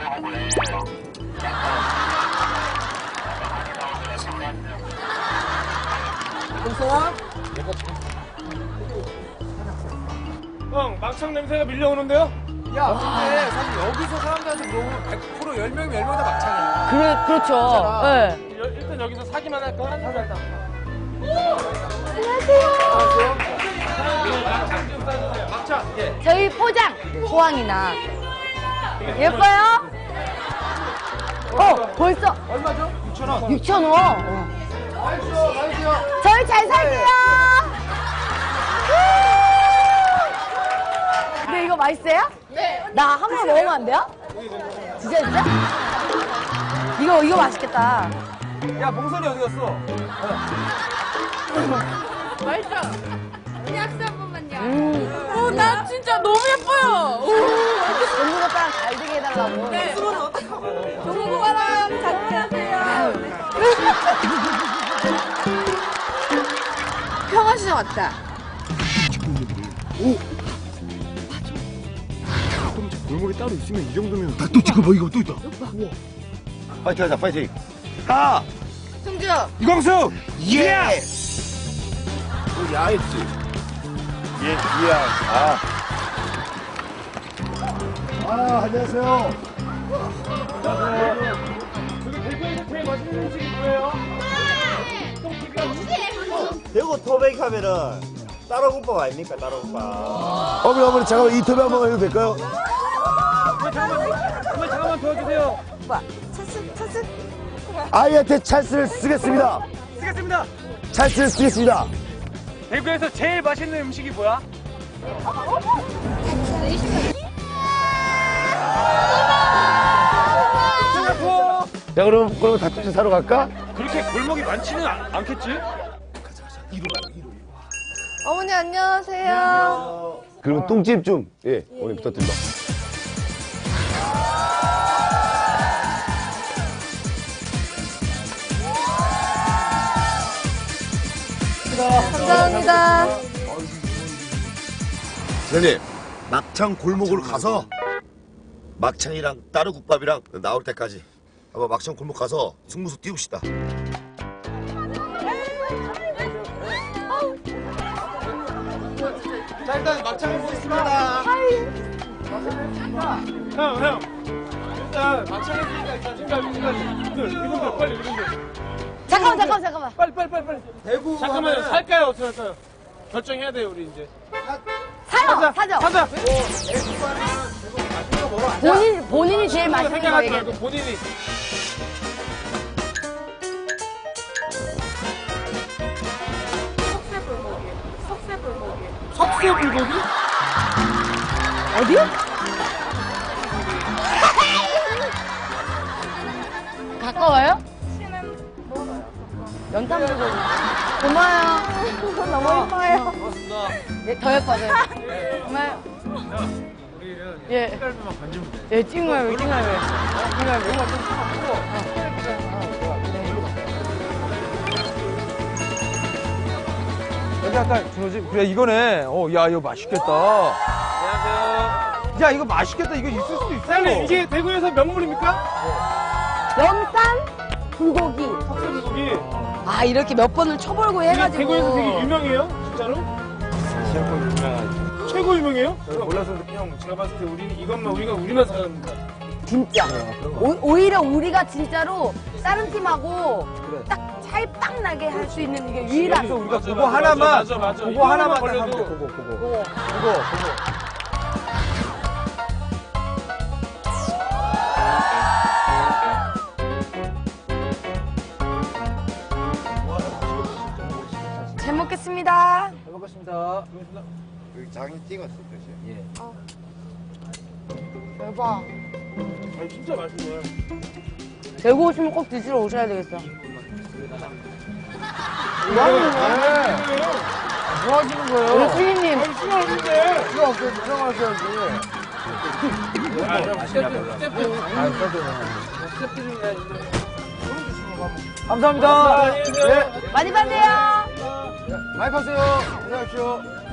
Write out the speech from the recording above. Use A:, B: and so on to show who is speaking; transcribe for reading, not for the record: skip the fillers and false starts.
A: 동서아?
B: 형, 막창 냄새가 밀려오는데요?
A: 야, 근데 사실 여기서 사람들한테 물어보면 100% 10명, 10명 다 막창이야.
C: 그렇죠. 네.
B: 일단 여기서 사기만 할까? 사자. 막창 좀 싸주세요. 막창. 예.
C: 저희 포장 호황이나 예뻐요? 벌써
A: 얼마죠? 6,000원.
C: 6,000원.
A: 맛있어.
C: 저희 잘 살게요. 근데 이거 맛있어요? 네. 나 한 번 먹으면 안 돼요? 진짜? 이거 맛있겠다.
A: 야, 봉선이 어디 갔어?
D: 맛있어. 약수 한 번만요. 나 진짜 너무 예뻐요.
C: 동물 오빠랑 잘 되게 해달라고.
D: 네. 동구 오빠랑 같이 하세요. 평화시장 왔다.
B: 골목이 따로 있으면 이 정도면.
E: 또 지금 뭐 이거 또 있다. 우와. 파이팅 하자, 파이팅. 하!
D: 승주.
E: 이광수! 예! 또 야했지. 예, 이야. 안녕하세요.
B: 여기 대구에서 제일 맛있는 음식이 뭐예요?
F: 대구 토백 하면은 따로국밥 아닙니까? 따로국밥.
E: 어머니, 잠깐만 인터뷰 한번 해도 될까요?
B: 잠깐만 도와주세요.
C: 오빠, 찬스.
E: 아이한테 찬스를 쓰겠습니다.
B: 쓰겠습니다.
E: 찬스를 쓰겠습니다.
B: 대구에서 제일 맛있는 음식이 뭐야?
E: 자, 그럼 닭꼬치 사러 갈까?
B: 그렇게 골목이 많지는 않겠지?
D: 어머니 안녕하세요.
E: 그럼 똥집 좀, 어머니 부탁드립니다.
D: 감사합니다.
E: 선생님, 막창 골목으로 가서 막창이랑 따르국밥이랑 나올 때까지 한번 막창 골목 가서 승부수 띄웁시다.
A: 자, 일단 막창을 보겠습니다.
B: 형. 일단 막창 했으니까 일단 이분들 빨리 이분들.
C: 잠깐만.
B: 빨리.
A: 대구
B: 잠깐만요.
A: 하면은
B: 살까요? 어떻게 할까요? 결정해야 돼요, 우리 이제.
C: 사죠.
B: 사자.
C: 본인이 제일 맛있는 거
B: 생각하지
C: 얘기해.
B: 말고 본인이. 석쇠불고기?
C: 어디? 가까워요? 연탄 불고기. 고마워요. 너무 예뻐요.
A: 고맙습니다.
C: 예, 더 예뻐져요. 정말.
B: 우리는
C: 예.
B: 색깔만 건지면 돼.
C: 예, 찍어요.
A: 여기 약간 준호지? 그래, 이거네. 야, 이거 맛있겠다.
B: 안녕하세요.
A: 야, 이거 맛있겠다. 이거 있을 수도 있어.
B: 사장님, 이게 대구에서 명물입니까?
C: 연탄 불고기.
B: 석쇠불고기.
C: 아, 이렇게 몇 번을 쳐벌고
B: 이게
C: 해가지고.
B: 대구에서 되게 유명해요? 진짜로? 최고 유명해요?
A: 몰라서
B: 형, 제가 봤을 때 우리는 이것만 우리만 사랑합니다.
C: 진짜. 오히려 우리가 진짜로 다른 팀하고 딱 차이 빡 나게 할 수 있는 이게 유일한.
A: 그래서 우리가 그거 하나만,
B: 맞아.
A: 그거 하나만 딱
B: 걸려도
A: 하면 돼. 그거.
C: 잘 먹겠습니다.
A: 잘 먹겠습니다.
E: 여기 장이 찍었어, 표시.
C: 대박.
B: 아니, 진짜 맛있네.
C: 대구 오시면 꼭 드시러 오셔야 되겠어.
A: 뭐 하시는 거예요?
C: 우리 피디님.
B: 시간 없는데.
A: 필요 없어요. 들어가셔야지. 감사합니다.
B: 안녕히 계세요.
A: 네.
C: 많이 받으세요.
A: 많이 파세요. 안녕하십시오.